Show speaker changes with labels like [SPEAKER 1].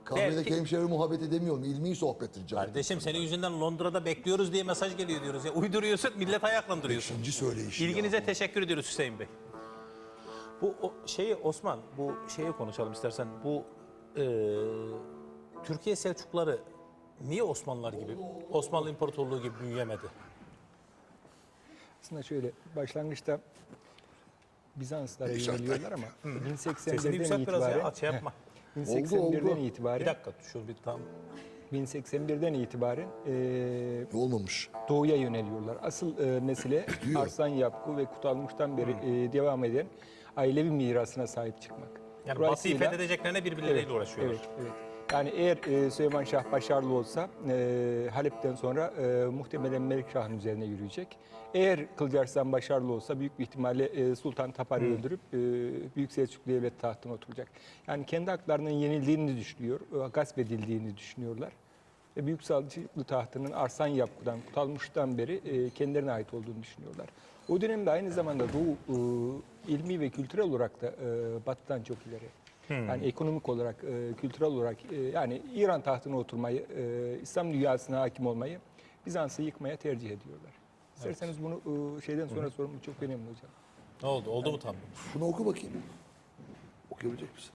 [SPEAKER 1] Kahvedeki hemşehri muhabbet edemiyorum. İlmi sohbettir canım.
[SPEAKER 2] Kardeşim senin yüzünden Londra'da bekliyoruz diye mesaj geliyor diyoruz. Ya uyduruyorsun, millet ayaklandırıyorsun.
[SPEAKER 1] İkinci söyleyiş.
[SPEAKER 2] İlginize teşekkür ediyoruz Hüseyin Bey. Bu şeyi Osman, bu şeyi konuşalım istersen. Bu Türkiye Selçukluları niye Osmanlılar gibi, Osmanlı İmparatorluğu gibi büyüyemedi?
[SPEAKER 3] Aslında şöyle başlangıçta Bizanslara yöneliyorlar ama
[SPEAKER 2] Sesini
[SPEAKER 3] 1081'den
[SPEAKER 2] yükselt biraz ya,
[SPEAKER 3] itibaren
[SPEAKER 2] aç yapma.
[SPEAKER 3] 1081'den
[SPEAKER 2] Bir
[SPEAKER 3] itibaren
[SPEAKER 2] dakika, şunu bir tam.
[SPEAKER 3] 1081'den itibaren
[SPEAKER 1] Olmamış.
[SPEAKER 3] doğuya yöneliyorlar. Asıl mesele
[SPEAKER 1] Diyor.
[SPEAKER 3] Arslan Yapku ve Kutalmış'tan beri devam eden ailevi mirasına sahip çıkmak.
[SPEAKER 2] Yani
[SPEAKER 3] Dolayısıyla-
[SPEAKER 2] Batı'yı fethedeceklerine birbirleriyle uğraşıyorlar.
[SPEAKER 3] Evet, evet. Yani eğer Süleyman Şah başarılı olsa Halep'ten sonra muhtemelen Melikşah'ın üzerine yürüyecek. Eğer Kılıçarslan başarılı olsa büyük bir ihtimalle Sultan Tapar'ı öldürüp Büyük Selçuklu Devlet tahtına oturacak. Yani kendi haklarının yenildiğini düşünüyor, gasp edildiğini düşünüyorlar. Ve Büyük Selçuklu tahtının Arslan Yapku'dan, Kutalmış'tan beri kendilerine ait olduğunu düşünüyorlar. O dönemde aynı zamanda Doğu ilmi ve kültürel olarak da Batı'dan çok ileri. Yani ekonomik olarak, kültürel olarak yani İran tahtına oturmayı, İslam dünyasına hakim olmayı, Bizans'ı yıkmaya tercih ediyorlar. İsterseniz bunu şeyden sonra sorun çok önemli hocam.
[SPEAKER 2] Ne oldu? Oldu mu tam?
[SPEAKER 1] Şunu oku bakayım. Okuyabilecek misin?